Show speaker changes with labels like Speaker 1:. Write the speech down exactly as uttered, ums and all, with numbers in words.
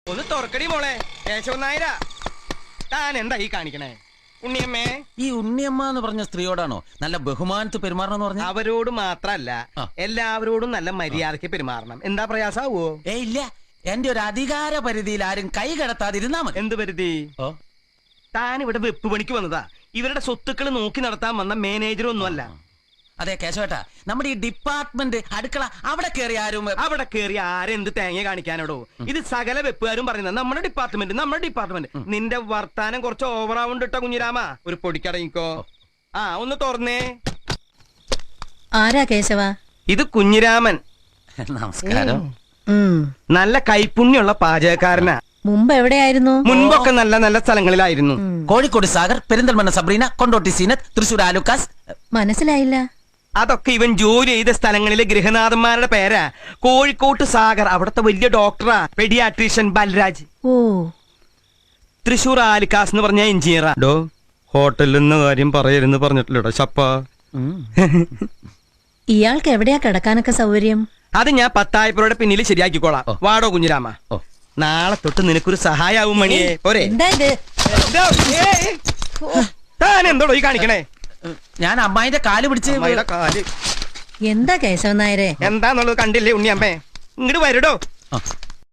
Speaker 1: ഒന്ന് തുറക്കടി മോളെ. കേശവൻ നായര, താൻ എന്താ ഈ കാണിക്കണേ? ഉണ്ണിയമ്മേ,
Speaker 2: ഈ ഉണ്ണിയമ്മ എന്ന് പറഞ്ഞ സ്ത്രീയോടാണോ നല്ല ബഹുമാനത്ത് പെരുമാറണം പറഞ്ഞ?
Speaker 1: അവരോട് മാത്രല്ല എല്ലാവരോടും നല്ല മര്യാദക്ക് പെരുമാറണം. എന്താ പ്രയാസാവോ?
Speaker 2: ഏ ഇല്ല, എന്റെ ഒരു അധികാര പരിധിയിൽ ആരും കൈ കടത്താതിരുന്നാ മതി.
Speaker 1: എന്ത് പരിധി?
Speaker 2: ഓ,
Speaker 1: താൻ ഇവിടെ വെപ്പ് പണിക്ക് വന്നതാ. ഇവരുടെ സ്വത്തുക്കൾ നോക്കി നടത്താൻ വന്ന മാനേജർ ഒന്നുമല്ല.
Speaker 2: അതെ കേശവേട്ടാ, നമ്മുടെ ഈ ഡിപ്പാർട്ട്മെന്റ് അടുക്കള അവിടെ കയറി ആരും
Speaker 1: അവിടെ കയറി ആരെന്ത് തേങ്ങ കാണിക്കാനോടോ? ഇത് സകല വെപ്പുകാരും പറയുന്നത് നമ്മുടെ ഡിപ്പാർട്ട്മെന്റ് നമ്മുടെ ഡിപ്പാർട്ട്മെന്റ്. നിന്റെ വർത്താനം കുറച്ച് ഓവറാവുണ്ട് കേട്ടോ കുഞ്ഞിരാമ. ഒരു പൊടിക്കടങ്ങിക്കോ. ആ ഒന്ന് തുറന്നേ.
Speaker 3: ആരാ കേശവ?
Speaker 1: ഇത് കുഞ്ഞിരാമൻ.
Speaker 2: നമസ്കാരം.
Speaker 1: നല്ല കൈപ്പുണ്യുള്ള പാചകക്കാരനാ.
Speaker 3: മുമ്പ് എവിടെയായിരുന്നു?
Speaker 1: മുൻപൊക്കെ നല്ല നല്ല സ്ഥലങ്ങളിലായിരുന്നു.
Speaker 2: കോഴിക്കോട് സാഗർ, പെരിന്തൽമണ്ണ സബ്രീന, കൊണ്ടോട്ടി സീനത്ത്, തൃശൂർ ആലുക്കാസ്.
Speaker 3: മനസ്സിലായില്ല.
Speaker 1: അതൊക്കെ ഇവൻ ജോലി ചെയ്ത സ്ഥലങ്ങളിലെ ഗൃഹനാഥന്മാരുടെ പേരാ. കോഴിക്കോട്ട് സാഗർ അവിടത്തെ വലിയ ഡോക്ടറാ, പെഡിയാട്രീഷ്യൻ ബൽരാജ്.
Speaker 3: ഓ,
Speaker 1: തൃശൂർ ആലിക്കാസ് എന്ന് പറഞ്ഞ എഞ്ചിനീയറാ. ഡോ ഹോട്ടലിൽ നിന്ന് കാര്യം പറയരുന്ന് പറഞ്ഞിട്ടില്ലടോ ചപ്പ.
Speaker 3: ഇയാൾക്ക് എവിടെയാ കിടക്കാനൊക്കെ സൗകര്യം?
Speaker 1: അത് ഞാൻ പത്തായപ്പുറയുടെ പിന്നിൽ ശരിയാക്കിക്കോളാം. വാടോ കുഞ്ഞിരാമ. നാളെ തൊട്ട് നിനക്കൊരു സഹായാവും മണിയെ. പോരെ?
Speaker 3: എന്താ ഇത്?
Speaker 1: താൻ എന്തോടോ ഈ കാണിക്കണേ?
Speaker 2: ഞാൻ അമ്മായിന്റെ കാല് പിടിച്ച്.
Speaker 1: അമ്മായിയുടെ കാല്
Speaker 3: എന്താ കേശവൻ നായരെ?
Speaker 1: എന്താന്നുള്ളത് കണ്ടില്ലേ ഉണ്ണിയമ്മേ? ഇങ്ങോട്ട് വരടോ.